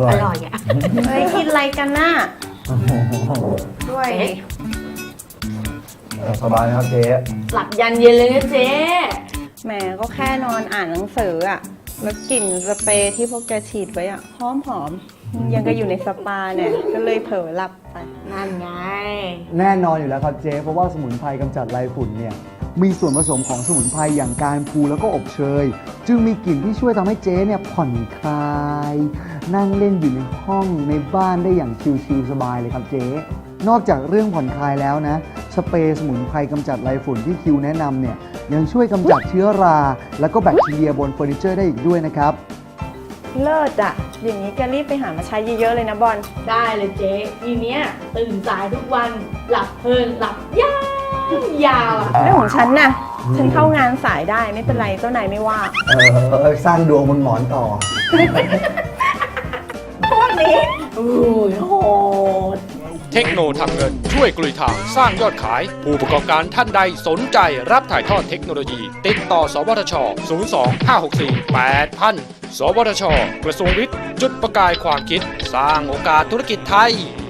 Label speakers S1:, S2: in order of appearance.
S1: ร่อย
S2: อร่อยอ่ะ
S3: เฮ้ยกินอะไรกันน่ะ
S1: โอ้โห
S3: ด้วย
S1: สบายนะครับเจ๊
S2: หลับยันเย็นเลยนะเจ๊
S3: แหมก็แค่นอนอ่านหนังสืออะแล้วกลิ่นสเปรย์ที่พวกแกฉีดไว้อะหอมหอมยังก็อยู่ในสปาเนี่ยก็เลยเผลอหลับไป
S2: นั่นไง
S4: แน่นอนอยู่แล้วครับเจ๊เพราะว่าสมุนไพรกำจัดไรฝุ่นเนี่ยมีส่วนผสมของสมุนไพรอย่างการพูแล้วก็อบเชย จึงมีกลิ่นที่ช่วยทำให้เจ๊เนี่ยผ่อนคลาย นั่งเล่นอยู่ในห้องในบ้านได้อย่างชิลๆสบายเลยครับเจ๊นอกจากเรื่องผ่อนคลายแล้วนะสเปรย์สมุนไพรกำจัดไรฝุ่นที่คิวแนะนำเนี่ยยังช่วยกำจัดเชื้อรา แล้วก็แบคทีเรียบนเฟอร์นิเจอร์ได้อีกด้วยนะครับ
S3: เลิศอะอย่างนี้แกรีบไปหามาใช้เยอะๆเลยนะบอล
S2: ได้เลยเจ๊ทีเนี้ยตื่นสายทุกวันหลับเพลินหลับยาวอ่ะ
S3: เรื่องของฉันน่ะ ฉันเข้างานสายได้ไม่เป็นไรเจ้านายไม่ว่า
S4: สร้างดวงบนหมอนต่อ
S3: พวกนี้
S2: โอ้ยโหด
S5: เทคโนทำเงินช่วยกลุยทางสร้างยอดขาย ผู้ประกอบการท่านใดสนใจรับถ่ายทอดเทคโนโลยี ติดต่อสวทช 02-564-8000 สวทช กระทรวงวิทย์ จุดประกายความคิด สร้างโอกาสธุรกิจไทย